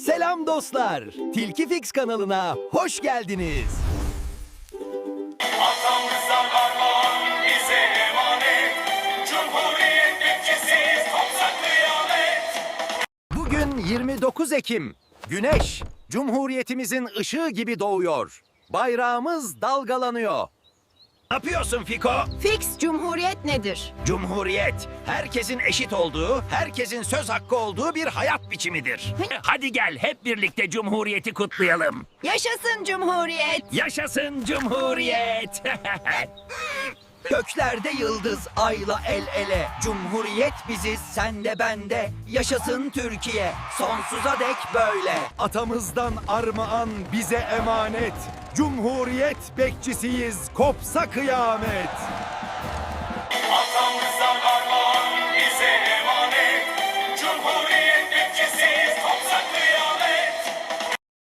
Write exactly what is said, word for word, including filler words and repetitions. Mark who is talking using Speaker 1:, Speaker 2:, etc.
Speaker 1: Selam dostlar. Tilki Fix kanalına hoş geldiniz.
Speaker 2: Atamızdan armağan bize emanet. Cumhuriyet bekçisiyiz, kopsa kıyamet.
Speaker 1: Bugün yirmi dokuz Ekim. Güneş, Cumhuriyetimizin ışığı gibi doğuyor. Bayrağımız dalgalanıyor. Ne yapıyorsun Fiko?
Speaker 3: Fix Cumhuriyet nedir?
Speaker 1: Cumhuriyet, herkesin eşit olduğu, herkesin söz hakkı olduğu bir hayat biçimidir.
Speaker 4: Hadi gel hep birlikte Cumhuriyeti kutlayalım.
Speaker 3: Yaşasın Cumhuriyet!
Speaker 4: Yaşasın Cumhuriyet.
Speaker 1: Göklerde yıldız ayla el ele. Cumhuriyet biziz, sen de ben de. Yaşasın Türkiye, sonsuza dek böyle. Atamızdan armağan bize emanet. Cumhuriyet bekçisiyiz, kopsa kıyamet.